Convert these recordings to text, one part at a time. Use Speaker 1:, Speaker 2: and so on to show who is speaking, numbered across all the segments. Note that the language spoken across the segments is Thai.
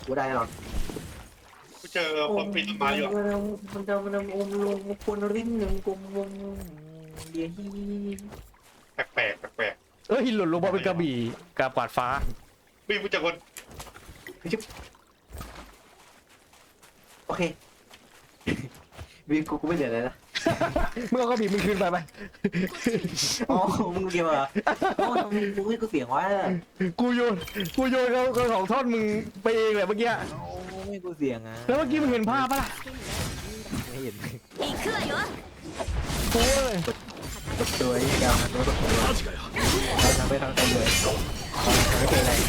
Speaker 1: กูได้แน่นอน
Speaker 2: กูเจอคนปีนต้นไม้อยู่อะ
Speaker 1: มันอมลงคนริมหนึ่งกลมวงเดียฮี
Speaker 2: แปลกๆแปลก
Speaker 3: หล่นลงมาเป็นกระบี่กระปาดฟ้า
Speaker 2: ๆวิ่งกูเจอคน
Speaker 1: โอเควีกูไม่เหลือเลยนะ
Speaker 3: เมื่อเอากระบี่มึงคืนไปไหม
Speaker 1: อ๋อมึงเดียวเหรอโอ้ทำไมมึงไม่กูเสียงวะ
Speaker 3: กูโยนเขาของทอดมึงไปเองแหละเมื่อกี้
Speaker 1: โอ้ไม่กูเสียงอ่ะ
Speaker 3: แล้วเมื่อกี้มึงเห็นภาพปะล่ะ
Speaker 1: ไม่เห็น
Speaker 4: 行くわよ。
Speaker 3: โอ้ย
Speaker 1: ตบตัวนี่กันตัวตบตัวเราทำไปทางเต็มเลยไม่เคยอะไร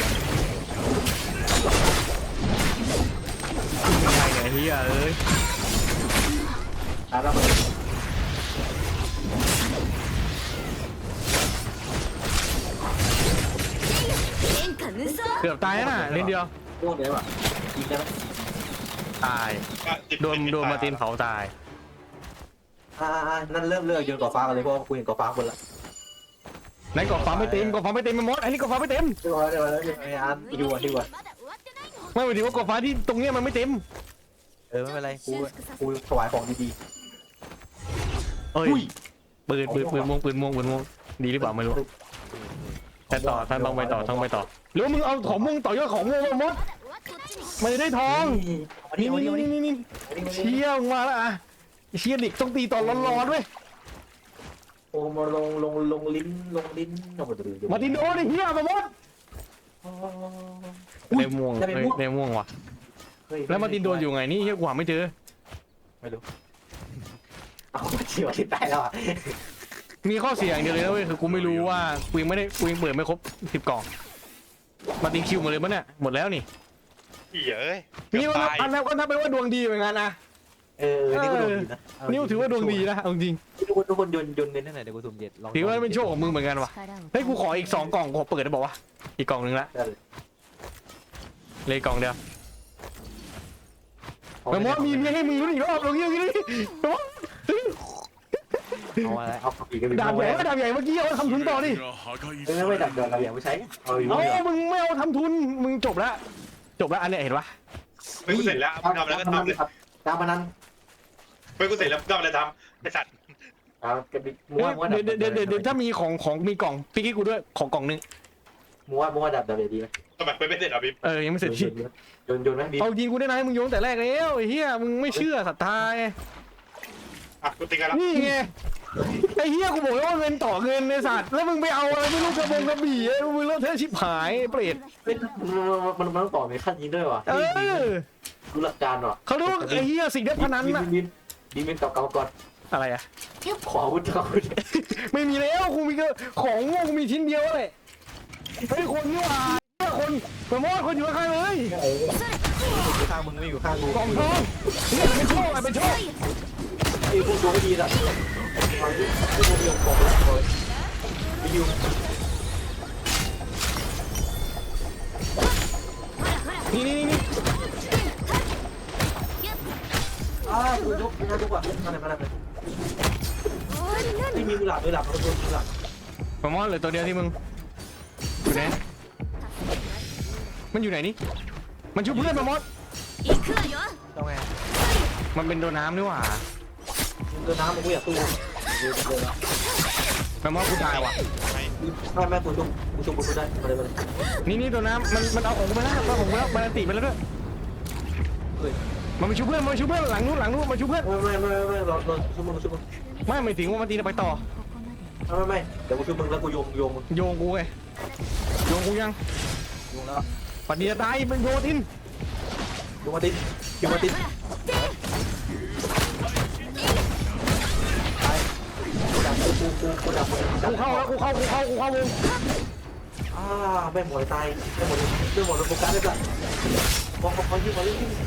Speaker 3: ยังไงเนี่ยเฮียเอ้ย
Speaker 1: ตาเราไป
Speaker 4: 天下無双。
Speaker 3: เกือบตายแล้วน่ะนิดเดียว
Speaker 1: พวกเดียวอ่ะยิงได้ไหม
Speaker 3: ตายโดนมาร์ตินเผาตาย
Speaker 1: นั่นเริ่มเลือกโยนก่อฟ้ากันเลยเพราะกูเห็นก่อฟ้าคนละ
Speaker 3: ไหนกอฟ้าไม่เต็มมันมดอันนี้กอฟ้าไม่เต็ม
Speaker 1: เดี๋ยวไปดูดีกว่า
Speaker 4: まだ終わってないの。
Speaker 3: ไม่หมายถึงว่ากอฟ้าที่ตรงเนี้ยมันไม่เต็ม
Speaker 1: ไม่เป็นไรกูถวายของดี
Speaker 3: เอ้ยปืนม่วงดีหรือเปล่าไม่รู้แต่ต่อท่านต้องไปต่อหรือว่ามึงเอาของม่วงต่อยอดของม่วงมด
Speaker 4: まだ終わって落ちに。
Speaker 3: มันจะได้ทอง
Speaker 1: ๆ
Speaker 3: นี่เชี่ยมาแล้วอ่ะเชี่ยดิกต้องตีตอนร้อนๆด้วย
Speaker 1: โอ้มาลงลิ้น
Speaker 3: มาร์ตินโดนไอ้เหี้ยมามดในม่วงว่ะแล้วมาร์ตินโดนอยู่ไงนี่เหี้ยกว่าไม่เจอ
Speaker 1: ไม่รู้เอาเฉียวที่ใต้แล้วอ่ะ
Speaker 3: มีข้อเสียอย่างเดียวเลยนะเว้ยคือกูไม่รู้ว่ากูยังเปิดไม่ครบ10 กล่องมาร์ตินคิวหมดเลยมั้ยเนี่ยหมดแล้วนี่
Speaker 2: เฮ้ย
Speaker 3: นี่ว่านับไปว่าดวงดีเหมือนกันนะ
Speaker 1: นี่ก็ดวงดีนะ
Speaker 3: นี่ถือว่าดวงดีนะเอาจริง
Speaker 1: ทุกคนยนเน้นให้หน่อยเดี๋ยวกูสุ่มเจ็ด
Speaker 3: ถือว่าเป็นโชคของมึงเหมือนกันว่ะเฮ้ยกูขออีก2 กล่องกูเปิดได้บอกว่าอีกกล่องนึงละเลยกล่องเดียวแต่ว่ามีให้มึงรู้อีกรอบตรงนี้
Speaker 1: เอาอะไรเอาอีกก็มี
Speaker 3: ดาบใหญ่เมื่อกี้เอาทำทุนต่อดิ
Speaker 1: ไม่ดับเดินเราอย่างไม่ใช้เอาอยู่
Speaker 3: เอามึงไม่เอาทำทุนมึงจบแล้วอันเนี้ยเห็นปะ
Speaker 2: เฮ้ยกูเสร็จแล้วมึงทำอะไรก็ทำเลย
Speaker 1: ตามมานั้น
Speaker 2: เฮ้ยกูเสร็จแล้วมึงทำอะไรทำไอ้สัตว์
Speaker 1: มัว
Speaker 3: เดี๋ยวถ้ามีของมีกล่องพี่กี้กูด้วยของกล่องนึง
Speaker 1: มัวดับดีไหม
Speaker 2: ทำไมไม่เสร็จอ่ะบิ๊ม
Speaker 3: ยังไม่เสร็จที่
Speaker 1: โยนไหมบี
Speaker 3: เอายิงกูได้ไหมมึงโยนแต่แรกแล้วไอ้เหี้ยมึงไม่เชื่อศรัทธาไง
Speaker 2: อ่ะกูตีกันแล้ว
Speaker 3: นี่ไงไอ้เหี้ยกูบอกว่าเงินต่อเงินในสัตว์แล้วมึงไปเอาอะไรไม่รู้กระบี่มึงเลิกเทชิบหายเปรต
Speaker 1: มันต้องต่อในขั้นนี้ด้วยวะดูหลักการว่ะ
Speaker 3: เขาเรียกว่าไอ้เหี้ยสิ่งเด็ดพนันน่ะ
Speaker 1: บีมเก่าก่อน
Speaker 3: อะไรอะ
Speaker 1: ขอวุฒิ
Speaker 3: ไม่มีแล้วกูมีก็ของโง่กูมีชิ้นเดียวเลยไอ้คนนี่หว่าคนประมอดคนอยู่ข้างเลย
Speaker 1: อยู่ข้างมึงไม่อยู่ข้างกู
Speaker 3: กล่องทองนี่เป็นโชคเป็นโชค
Speaker 1: ไอ้พวกตัวไม่ดีละมันไม่ดีของผมเลยไม่อยู่
Speaker 3: นี่
Speaker 1: กูยกว่ะมาเลยไม่มีมือหลับเขาตัวมือหลับ
Speaker 3: ประมอดเหลือตัวเดียวที่มึงอยู่ไหนมันอยู่ไหนนี่มันชุบเพื่อนประมอด
Speaker 4: 行くわよ。
Speaker 1: ต้องไง
Speaker 3: มันเป็นโดนน้ำนี่หว่า
Speaker 1: เดินน้ำกูอยากตู้
Speaker 3: ประมอดกูตายว่ะ
Speaker 1: ไม่กูชุบกูได้มาเลย
Speaker 3: นี่โดนน้ำมันเอาของกูไปแล้วมันติไปแล้วด้วยมันมาชุบเพื่อนหลังนู้นมาชุบเพื่อน
Speaker 1: ไม่รอชุบมึง
Speaker 3: ไม่หมายถึงว่ามันตีไปต่อ
Speaker 1: ไม่เดี๋ยวกูชุบมึงแล้วกูโยงมึง
Speaker 3: โยงกูไงโยงกูยัง
Speaker 1: โยงแล้ว
Speaker 3: ปัดเดียตายเป็นโยทิน
Speaker 1: โยงมาตินตายดับกูดับ
Speaker 3: กูเข้าวง
Speaker 1: ไม่หมดตายไม่หมดโฟกัสเลยจ้ะมองที่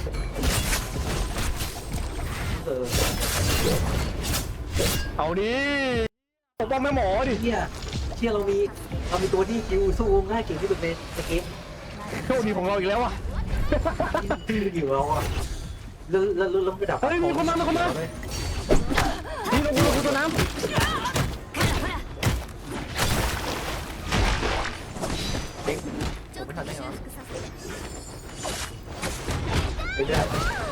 Speaker 3: เอาดิปกป้องแม่หมอดิ
Speaker 1: เชี่ยเรามีตัวที่คิวสู้ง่ายเก่งที่สุดในเกม
Speaker 3: โชคดีของเราอีกแล้วอ่ะ
Speaker 1: อยู่แล้วอ่ะแล้วไปดับ
Speaker 3: เฮ้ยมีคนมานี่เราคือตัวน้ำ
Speaker 1: เด็กผมไม่ทันได้เหรอ
Speaker 4: 修復させる。
Speaker 1: เรื่อย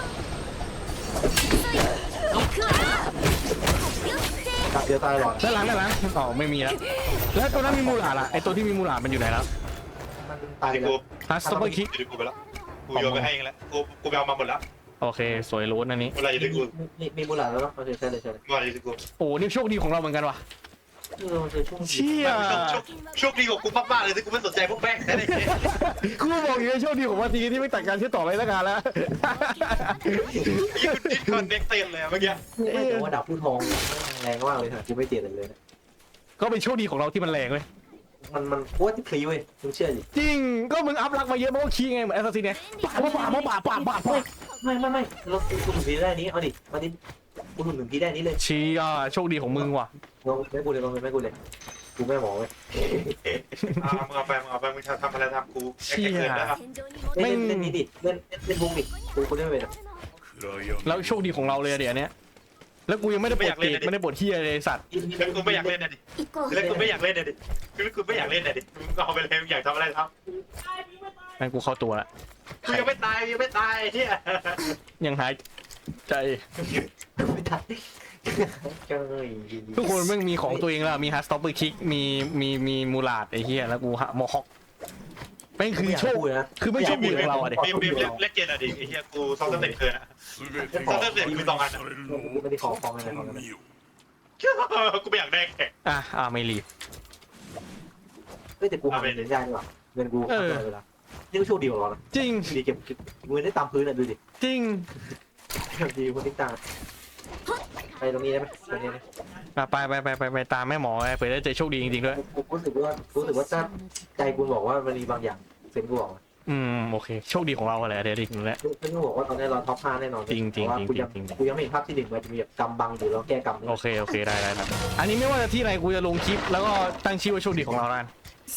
Speaker 4: 行くわよよっせ
Speaker 1: ๆตัดเดียวตายหรอ
Speaker 3: ด้านหลังอ๋อไม่มีแล้วแล้วตัวนั้นมีมูลาดล่ะไอตัวที่มีมูลาดมันอยู่ไหนแล้ว
Speaker 1: มันตาย
Speaker 2: ที่
Speaker 1: แล้
Speaker 2: กู
Speaker 1: ว
Speaker 3: ฮัสต์เปอร์คิก
Speaker 2: อยู่ที่กูไปแล้วกูโยนไปให้เองแล้วกูไปเอามาหมดแล้ว
Speaker 3: โอเคสวยล้นอันนี้
Speaker 2: อะไรอยู่ที่กู
Speaker 1: มีมูลาแล้วเนาะโอเคใช่เลย
Speaker 2: ว่าอยู่ที่กู
Speaker 3: โอ้นี่โชคดีของเราเหมือนกันว่ะ
Speaker 1: มันคือช่วง
Speaker 3: เชี่ย
Speaker 2: โชคดีของกูมากๆเลยที่กูไม่สนใจพวกแม่งแต่ในเกม
Speaker 3: กูบอกอยู่ในโชคดีของวันทีที่ไม่ตัดการเชื่อต่อไปแล้วกันแล้ว
Speaker 2: ยี่คุณดิสคอนเน็กเต็มเลยเมื่อกี้
Speaker 1: ไม่แต่ว่าดาบผู้ทองแรงมากเลยค่ะกูไม่เตียนเลย
Speaker 3: ก็เป็นโชคดีของเราที่มันแรงเลย
Speaker 1: มันโคตรที่พลีเว้ยมึงเชื่อดิ
Speaker 3: จริงก็มึงอัพรักมาเยอะมันก็ขี้ไงเหมือนแอสซัสซินเนี่ยป่าด
Speaker 1: ไม่เรากูถึงพีได้นี้เอาดิมาดิกูถึงพีได้นี้เลย
Speaker 3: เชี่ยโชคดีของมึงว่ะ
Speaker 1: ลงไม่กูเลยกูไม่หมอเว้ย
Speaker 2: มึงเอาไปมึงทำอะไรทำกูแค่เกินนะครับ
Speaker 4: 戦場に戻
Speaker 1: เล่นนี้ดิเล่นวงดิกูเล่นไปเลย
Speaker 3: แล้วโชคดีของเราเลยเดี๋ยวนี้แล้วกูยังไม่ได้ปวดเกรดไม่ได้ปวดเฮียเลยสัตว์
Speaker 2: แล้วกูไม่อยากเล่นนะดิ
Speaker 4: 行こう
Speaker 2: แล้วกูไม่อยากเล่นนะดิคือกูไม่อยากเล่นนะดิมึงเอาไปเลยมึงอยากทำอะไรท
Speaker 3: งั้นกูเข้าตัวละ
Speaker 2: ำกูยังไม่ตายเนี่ย
Speaker 3: ยังหายใจ
Speaker 1: ไม่ทันเจ้ย
Speaker 3: ทุกคนแม่งมีของตัวเองแล้วมีฮัสต็อปเปอร์คิกมีมูลาดไอ้เฮียแล้วกูมอฮอกแม่งคือโชคคือไม่โชคดีของเราอะเด็ก
Speaker 2: บีมเล่นเกมอะดิไอ้เหี้ยกูซ้อมตั้งแต่เกินอะซ้อมตั้งแต่กู2 อันอะ
Speaker 1: ไม่ได้ของอะไรของ
Speaker 2: กูไม่อยากได้แข่ง
Speaker 3: ไม่รีบ
Speaker 1: เฮ้ยแต่กูหาเงินได้ดีกว่าเงินกูเวลานี่ก็โชคดีของเรานะ
Speaker 3: จริง
Speaker 1: ดีเก็บเงินได้ตามพื้นอ่ะดูดิ
Speaker 3: จริง
Speaker 1: ดีคนที่ตาไปตรงนี้ได้ไหมตรงนี้
Speaker 3: ไปตามแม่หมอไปเผื่อได้เจอโชคดีจริงๆด้วย
Speaker 1: กูรู้สึกว่าถ้าใจกูบอกว่ามันมีบางอย่างเซนกูบอก
Speaker 3: โอเคโชคดีของเราอะไรเดี๋ยวดินั่นแหละ
Speaker 1: เซนกูบอกว่าตอนนี้เราท็อป5แน่นอนกูยังไม่เห็นภาพที่1มันจะมีแบบกำบังอยู่แล้วแก้กำ
Speaker 3: โอเคได้อันนี้ไม่ว่าจะที่ไหนกูจะลงคลิปแล้วก็ตั้งชื่อว่าโชคดีของเราแล้ว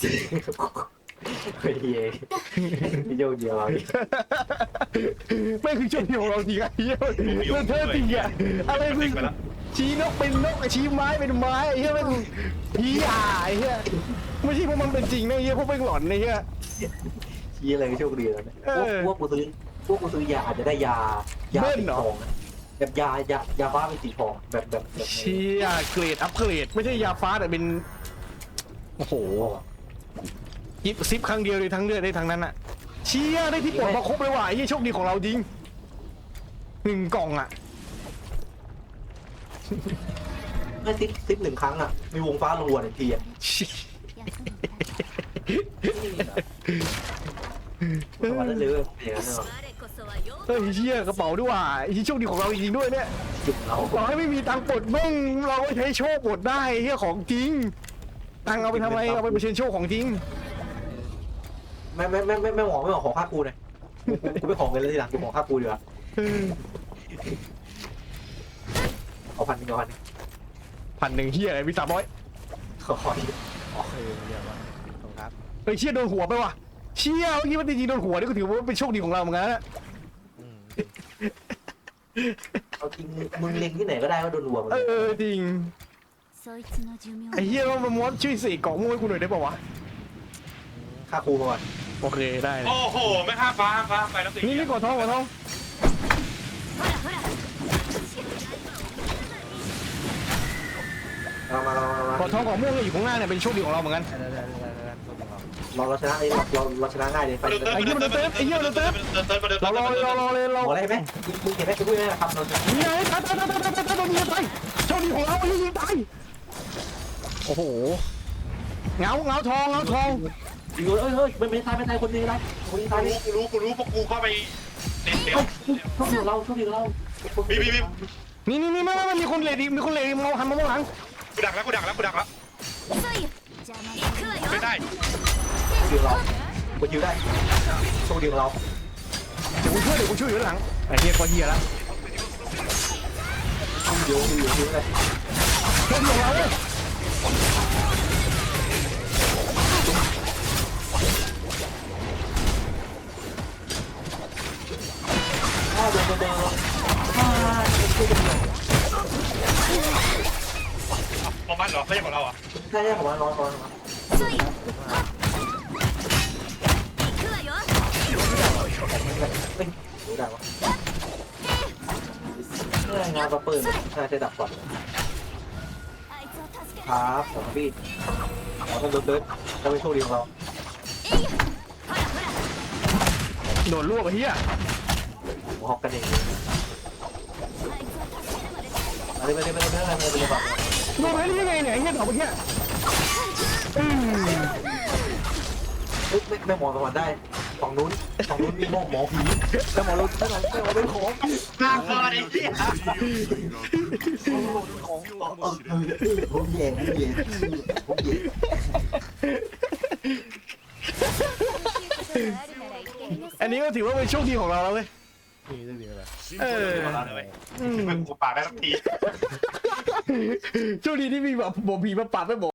Speaker 1: เฮ้ยพี่โยเดียวเรา
Speaker 3: ไม่คือโชคดีของเราจริงไอ้เหี้ยเธอจริงอะอะไรมึงชี้นกเป็นนกชี้ไม้เป็นไม้ไอ้เหี้ยมันผีไอ้เหี้ยไม่ใช่พวกมันเป็นจริงนะไอ้เหี้ยพวกเป็นหลอนไอ้เหี้ย
Speaker 1: ชี้อะไรก็โชคดีแล้วนะพวกกูซื้อยาอาจจะได้ยาสีทองแบบยาฟ้าเป็นสีทองแบบ
Speaker 3: เชี่ยเกรดอัพเกรดไม่ใช่ยาฟ้าแต่เป็นโอ้โหยิบซิปครั้งเดียวเลยทั้งเลือดได้ทั้งนั้นอะเชี่ยได้ที่ปลดมาครบเลยว่ะไอ้เหี้ยโชคดีของเราจริง1 กล่องอะ
Speaker 1: ไม่ซิป1 ครั้งอ่ะมีวงฟ้ารัว1 ทีอ่ะวันนั้นเลยอย่างนั้นเนาะ
Speaker 4: 我こそはよ
Speaker 3: เฮ้ยเชี่ยกระเป๋าด้วยว่ะไอ้โชคดีของเราจริงๆด้วยเนี่ย
Speaker 1: จุดเรา
Speaker 3: ต่อให้ไม่มีตังค์ปลดแม่งเราก็ใช้โชคปลดได้เฮียของจริงตังค์เอาไปทำไมเอาไปเปอร์เซ็นต์โชคของจริง
Speaker 1: ไม่หมอขอค่ากูเลยกูไปขอเงินเลยทีหลังกูขอค่ากูดีกว่าเอา1,000ก่อน
Speaker 3: 1,000เฮียอะไรมี300
Speaker 1: ขอ
Speaker 3: เฮ้ยเชี่ยโดนหัวไปว่ะเชี่ยเมื่อกี้มันจริงๆโดนหัวนี่ก็ถือว่าเป็นโชคดีของเราเหมือนกันนะ
Speaker 1: เอาจริงมึงเล็งที่ไหนก็ได้ก็โดนรัวมัน
Speaker 3: จริง
Speaker 4: そいつの寿命
Speaker 3: ไอ้เฮียเรามาม้วนช่วยเสกกล่องมุ้งให้กูหน่อยได้ป่าวะ
Speaker 1: ค่าครูมาก่อน
Speaker 3: โอเคได้
Speaker 2: โอ้โหไม่ข้ามฟ้าไปแล้วสิ
Speaker 3: นี่กดท้อง
Speaker 4: ほらほら
Speaker 3: กดท้องของม่วงอยู่ข้างหน้าเนี่ยเป็นโชคดีของเราเหมือนกัน
Speaker 1: เราชนะเราชนะง่ายเลยไป
Speaker 3: เรารอเลย
Speaker 1: หมออะไรไหมมึงเห็นไหมกูพูดไหมครับเราจะ
Speaker 3: นี่ไงตายโดนยิงตายโชคดีของเราไอ้ยิงตายโอ้โหเงาทอง
Speaker 1: ยิงเลยเฮ้ยไม่ตายคนนี้ได้คนนี้ตาย
Speaker 2: กูรู้พวกกูเข้าไปเน็ตเดียว
Speaker 1: โชคดีเรา
Speaker 2: บี
Speaker 3: นี่ไม่มีคนเลดีมีคนเลดีมองหันมามองหลัง
Speaker 2: กูดักแล้ว
Speaker 4: 遅いよ邪魔行くわよ
Speaker 2: ไม่ได้
Speaker 1: ยิงเรากูยิงได้โชคดีของเรา
Speaker 3: เดี๋ยวกูช่วยอยู่หลังไอ้เฮียก็เฮียแล้ว
Speaker 1: ยิงเลย
Speaker 3: โชคดีของเราเลย
Speaker 1: เดิน
Speaker 2: ของมันเหรอไม่ใช่ของเราอ่ะ
Speaker 1: ใช่ผมว่าร้อน
Speaker 4: 遅いよはっ行くわよ
Speaker 1: รู้ได้วะงานประเปิดน่าจะดับก่อน
Speaker 4: あいつを助け
Speaker 1: ครับผมพี่ขอต้องเดินจะเป็นโชคดีของเรา
Speaker 3: โดนลวกไอ้เหี้ย
Speaker 1: ผมฮอกกันเอง
Speaker 4: あいつを助けるまで
Speaker 1: อะไรไปเลยอะไรแบบ
Speaker 3: โดนไปได้ยังไงเนี่ยไอ้เหี้ยดอกเมื่อกี้อืม
Speaker 1: ไม่มองสวรรค์ได้ฝั่งนู้นมีหมอผีแต่หมอเราไม่เป็นของ
Speaker 2: น่ากลัวไอ้เหี้ย
Speaker 1: ผมเย่
Speaker 3: อันนี้ก็ถือว่าเป็นโชคดีของเราแล้วเว้ยเออ
Speaker 2: มึงกูปากได้สักที
Speaker 3: โชคดีที่มีแบบผีมาปัดไม่บอก